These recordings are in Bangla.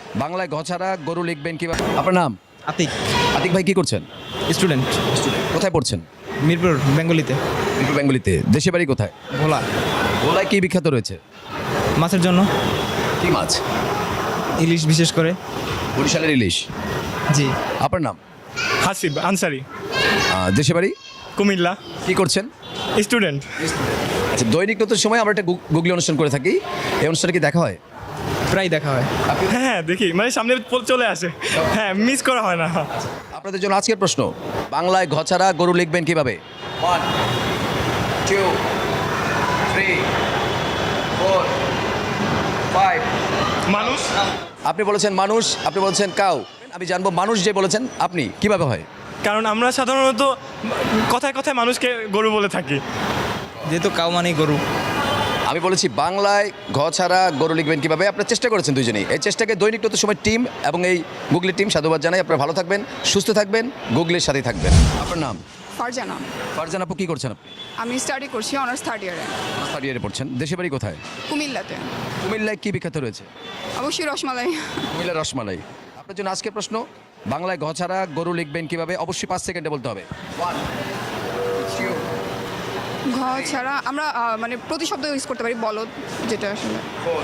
বাংলায় ঘ ছাড়া গরু লিখবেন কিভাবে? আপনার নাম? আতিক, আতিক ভাই কি করছেন? স্টুডেন্ট, কোথায় পড়ছেন? মিরপুর, বেঙ্গলিতে। মিরপুর বেঙ্গলিতে। দেশে বাড়ি কোথায়? ভোলা। ভোলায় কি বিখ্যাত রয়েছে? মাছের জন্য কি মাছ? ইলিশ বিশেষ করে। বরিশালের ইলিশ। জি। আপনার নাম? হাসিব আনসারি, দেশে বাড়ি কুমিল্লা, কি করছেন? স্টুডেন্ট। আচ্ছা, দৈনিক নতুন সময় আমরা একটা গুগলি অনুষ্ঠান করে থাকি, এই অনুষ্ঠানে কি দেখা হয়? প্রায় দেখা হয়। হ্যাঁ দেখি, মানে সামনে চলে আসে, হ্যাঁ মিস করা হয় না। আপনাদের জন্য আজকের প্রশ্ন, বাংলায় ঘ ছাড়া গরু লিখবেন কিভাবে? 1 2 3 4 5। মানুষ, আপনি বলেছেন মানুষ, আপনি বলেছেন কাউ। আমি জানবো মানুষ যে বলেছেন আপনি কিভাবে হয়? কারণ আমরা সাধারণত কথায় কথায় মানুষকে গরু বলে থাকি। যেহেতু কাউ মানেই গরু। আমি বলেছি বাংলায় ঘ ছাড়া গরু লিখবেন কিভাবে। আপনারা চেষ্টা করেছেন দুজনেই। এই চেষ্টাকে দৈনিক নতুন সময় টিম এবং এই গুগলি টিম সাধুবাদ জানাই। আপনারা ভালো থাকবেন, সুস্থ থাকবেন, গুগলির সাথেই থাকবেন। আপনার নাম? ফারজানা। ফারজান আপু কি করছেন আপনি? আমি স্টাডি করছি অনার্স থার্ড ইয়ারে থার্ড ইয়ারে পড়ছেন। দেশে বাড়ি কোথায়? কুমিল্লাতে। কুমিল্লায় কি বিখ্যাত রয়েছে? অবশ্যই রসমালাই। কুমিল্লার রসমালাই। আপনার জন্য আজকের প্রশ্ন, বাংলায় ঘ ছাড়া গরু লিখবেন কিভাবে? অবশ্যই 5 সেকেন্ডে বলতে হবে। 1 2 ঘ ছাড়া আমরা মানে প্রতিশব্দ ইউজ করতে পারি বলদ, যেটা আসলে 4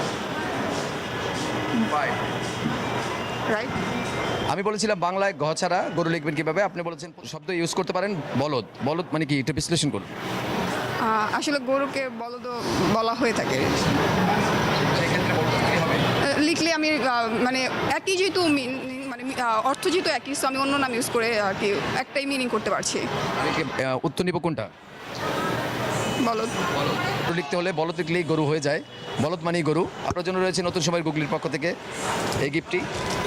5। রাইট। আমি বলেছিলাম বাংলায় ঘ ছাড়া গরু লিখবেন কিভাবে, আপনি বলেছেন শব্দ ইউজ করতে পারেন বলদ। বলদ মানে কি, এটা বিশ্লেষণ করুন। আসলে গরুকে বলদ বলা হয়ে থাকে। লিখলে আমি মানে একই যেহেতু মানে অর্থ যেহেতু একই, সো আমি অন্য নাম ইউজ করে আর কি একটাই মিনিং করতে পারছি। আমি কি উত্তর নিব কোনটা? বলদ। গরু লিখতে হলে বলদ লিখলেই গরু হয়ে যায়। বলদ মানেই গরু। আপনার জন্য রয়েছে নতুন সময়ের গুগলির পক্ষ থেকে এই গিফটটি।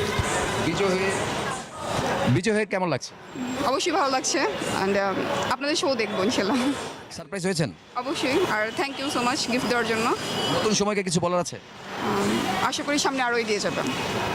বিজয় হয়ে কেমন লাগছে? অবশ্যই ভালো লাগছে, অ্যান্ড আপনাদের শো দেখবো ইনশাল্লাহ। সারপ্রাইজ হয়েছেন? অবশ্যই, আর thank you so much gift দেওয়ার জন্য। নতুন সময়কে কিছু বলার আছে? আশা করি সামনে আরও এগিয়ে যাবেন।